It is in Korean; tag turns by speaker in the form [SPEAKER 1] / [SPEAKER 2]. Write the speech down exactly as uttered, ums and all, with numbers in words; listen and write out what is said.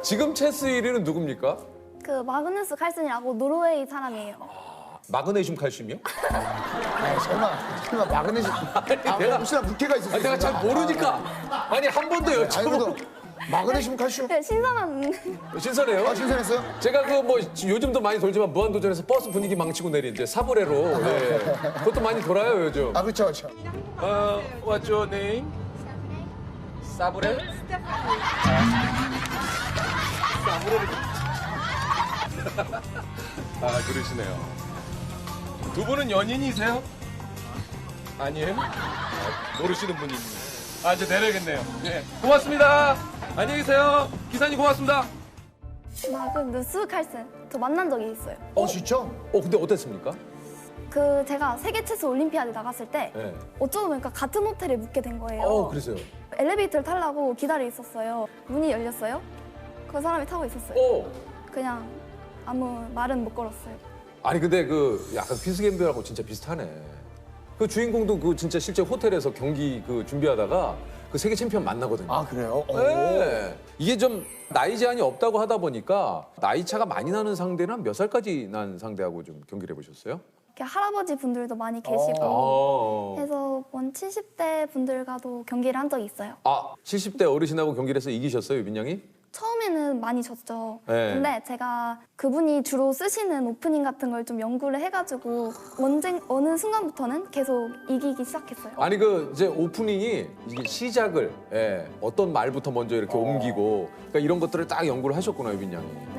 [SPEAKER 1] 지금 체스 일 위는 누굽니까?
[SPEAKER 2] 그 마그누스 칼슨이라고 노르웨이 사람이에요.
[SPEAKER 1] 마그네슘 칼슘이요?
[SPEAKER 3] 아니, 설마, 설마 마그네슘. 아,
[SPEAKER 1] 내가-
[SPEAKER 3] 혹시나 물기가 있을 수
[SPEAKER 1] 아, 내가
[SPEAKER 3] 있으니까.
[SPEAKER 1] 잘 모르니까. 아니 한 번 더
[SPEAKER 3] 아니, 그래도
[SPEAKER 1] 여쭤보.
[SPEAKER 3] 마그네슘 칼슘?
[SPEAKER 2] 네, 신선한
[SPEAKER 1] 신선해요?
[SPEAKER 3] 아, 신선했어요?
[SPEAKER 1] 제가 그 뭐 요즘도 많이 돌지만 무한도전에서 버스 분위기 망치고 내린 이제 사브레로 예. 그것도 많이 돌아요 요즘.
[SPEAKER 3] 아, 그렇죠, 그렇죠.
[SPEAKER 1] 어, what's your name? 사브레? 사브레를. 아 그러시네요. 두 분은 연인이세요? 아니에요? 아, 모르시는 분이 있네요. 아 이제 내려야겠네요. 네, 고맙습니다. 안녕히 계세요. 기사님 고맙습니다.
[SPEAKER 2] 마그누스 칼슨. 저 만난 적이 있어요.
[SPEAKER 3] 어, 진짜?
[SPEAKER 1] 어 근데 어땠습니까?
[SPEAKER 2] 그 제가 세계 체스 올림피아드 나갔을 때
[SPEAKER 1] 네.
[SPEAKER 2] 어쩌다 보니까 같은 호텔에 묵게 된 거예요.
[SPEAKER 1] 어 그러세요.
[SPEAKER 2] 엘리베이터를 타려고 기다리고 있었어요. 문이 열렸어요. 그 사람이 타고 있었어요.
[SPEAKER 1] 어.
[SPEAKER 2] 그냥 아무 말은 못 걸었어요.
[SPEAKER 1] 아니 근데 그 약간 퀴즈겜들하고 진짜 비슷하네. 그 주인공도 그 진짜 실제 호텔에서 경기 그 준비하다가 그 세계 챔피언 만나거든요.
[SPEAKER 3] 아, 그래요? 오.
[SPEAKER 1] 네. 이게 좀 나이 제한이 없다고 하다 보니까 나이 차가 많이 나는 상대는 한 몇 살까지 난 상대하고 좀 경기를 해보셨어요?
[SPEAKER 2] 이렇게 할아버지 분들도 많이 계시고
[SPEAKER 1] 어.
[SPEAKER 2] 해서 원 칠십 대 분들과도 경기를 한 적이 있어요.
[SPEAKER 1] 아 칠십 대 어르신하고 경기를 해서 이기셨어요, 유빈 양이?
[SPEAKER 2] 처음에는 많이 졌죠.
[SPEAKER 1] 네.
[SPEAKER 2] 근데 제가 그분이 주로 쓰시는 오프닝 같은 걸 좀 연구를 해가지고 언제 어느 순간부터는 계속 이기기 시작했어요.
[SPEAKER 1] 아니 그 이제 오프닝이 이게 시작을 예, 어떤 말부터 먼저 이렇게 옮기고 그러니까 이런 것들을 딱 연구를 하셨구나, 유빈 양이.